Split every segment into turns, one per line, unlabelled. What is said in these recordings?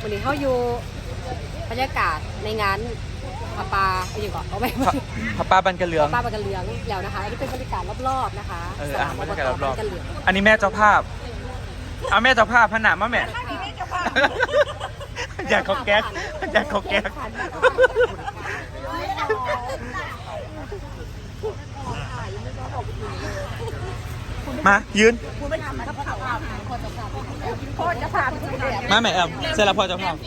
วันนี้เขาอยู่บรรยากาศในงานผาปลาอย่างก่อนเอาไป
ผาปลาบันกระเหลือง
ผาปลาบันกระเหลืองแล้วนะคะอันนี้เป็นบรรยากาศรอบๆนะคะสนาม
บรรยากาศรอบ
บันกระเหลือง
ๆอันนี้แม่เจ้าภาพเอาแม่เจ้าภาพผนามาแม่อยากเขาแก๊กอยากเขาแก๊กมายืนมาแม่แอมเสร็จแล้วพอเจ้าภาพ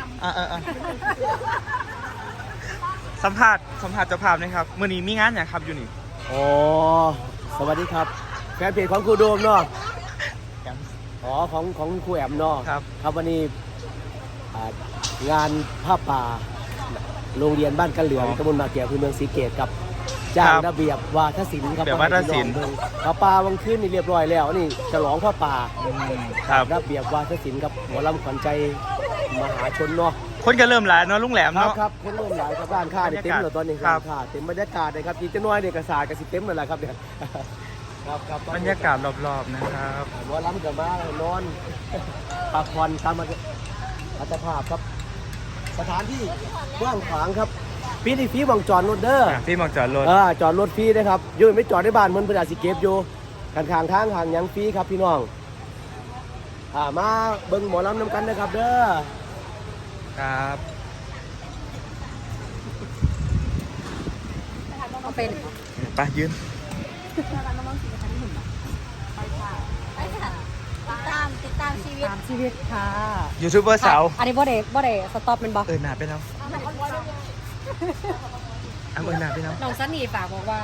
สัมภาษณ์เจ้าภาพนะครับมื้อนี้มีงานอย่างครับอยู่นี่
อ๋อสวัสดีครับแฟนเพจของครูโดมเนาะอ๋อของครูแอมเนาะครับวันนี้งานผ้าป่าโรงเรียนบ้านกระเหลืองตำบลมาเกียอำเภอเมืองศรีเกตครับจ้างระเบียบวาทศิลป์ครับ
แบบวาทศิลป์
ผ้าป่าวังขึ้นนี่เรียบร้อยแล้วนี่ฉลองผ้าป่า
ครับ
ระเบียบวาทศิลป์กับหมอลำขวัญใจมหาชนเนาะ
คนก็เริ่มหลายเนาะลุงแหลมเนาะ
ครับคนเริ่มหลายครับร้านค้าเนี่ยเต็มเลยตอนนี้ครับค่ะเต็มบรรยากาศเลยครับจีนจะน้อยเนี่ยกระสากับสิเต็มเลยแหละครับเนี่ยครับ
บรรยากาศรอบๆนะครับ
หมอลำกับมานอนพักผ่อนตามอัตภาพครับสถานที่กว้างขวางครับฟรีบังจอดรถเด้อ
พี่มองจอดรถ
จอดรถฟรีนะครับยืนไม่จอดในบ้านเหมือนประดาสิเก็บอยู่ข้างทางห่างยังฟรีครับพี่น้องมาเบิ่งหมอลำนำกันนะครับเด้อ
ครับ
เอาเป็น
ไปยืน
ติดตามชีวิตค่ะ
ยูทูบเบอร์สาว
อันนี้บ่ได้สต็อปเป็นบ่
หนาไปแล้วหนาไปแล้ว
น้องซันนี่ฝากบอกว่า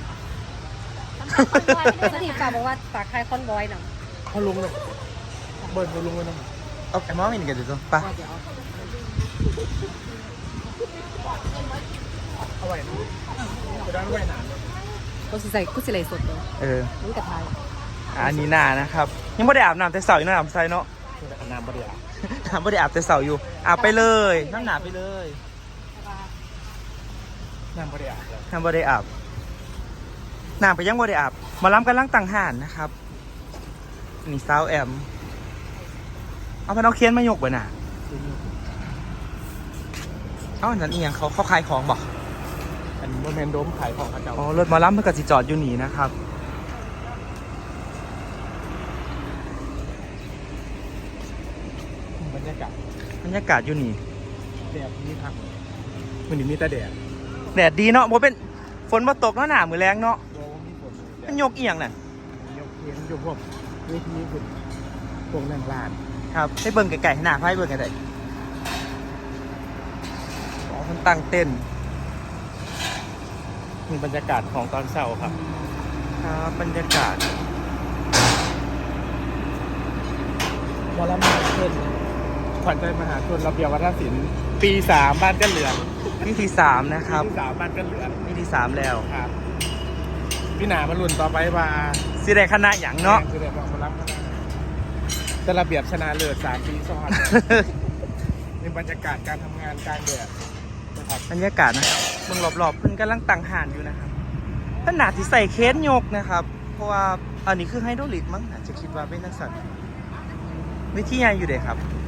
ซันนี่ฝากบอกว่าฝากใครคอนบอยหน่อย
เขาลงเลยเบิร์ดเขาลงเลยนะเอาไอ้มอสไม่หนีกันเดี๋ยวไป
เดี๋ยว
เอาไว้ไปด้านไว้หนา
กูสิไหลสดเลยมึงกระทาย
อันนี้หนานะครับยังไม่ได้อาบน้ำแต่เสาอยู่น้ำใส่เนาะ
น้ำบริอา
น้ำไม่ได้อาบแต่เสาอยู่อาบไปเลยน้ำหนาไปเลยน้ำไม่ได้อาบน้ำไม่ได้อาบน้ำไปยังไม่ได้อาบมาล้ำกันล้างต่างหานนะครับนี่สาวแอมเอาพนักเคียนมายกไปน่ะอันนั้นเอียงเขาขายของบอก
อันนี้โมเมนต์โดมขายของเขาเจ้า
อ๋อรถมาล้ำเพื่อกสิจอดอยู่หนีนะครับ
บรรยากาศ
บรรยากาศอยู่หนี
แดดนี่ทางมันมีแต่แดด
แดดดีเนาะโมเป็นฝนมาตกเนาะหนามือแรงเนาะ
โดมมีฝน
มันยกเอียงน่ะ
ยกเทียนยกพวกเวทีฝุ่นพวกนั่งลาน
ครับให้เบิ่งไก่ๆให้หน้าให้เบิ่งไก่ๆอ๋อมันตั้งเต้น
มีบรรยากาศของตอนเช้าครับ
ครับบรรยากาศ
วอลมาชนขวัญใจมหาชนระเบียบวัฒนศิลป์ปี 3บ้านกันเหลือง
วิธี3นะครับ
ปี 3บ้านกันเหลือง
วิธี3แล้ว
ครับพี่หนามาลุ่นต่อไปว่า
สิได้คณะหยังเนาะ
จะได้บอกมารับคณะจะระเบียบชนะเลิศ3 ปีซ้อนในบรรยากาศการทำงานกลางแดดนะครับ
บรรยากาศนะครับเบิ่งรอบๆเพิ่นกำลังตั้งห่านอยู่นะครับเพิ่นน่าสิใส่เคสยกนะครับ เพราะว่าอันนี้คือไฮดรอลิกมั้งอาจจะคิดว่าเป็นนักสัตว์วิธีใหญ่อยู่เด้ครับ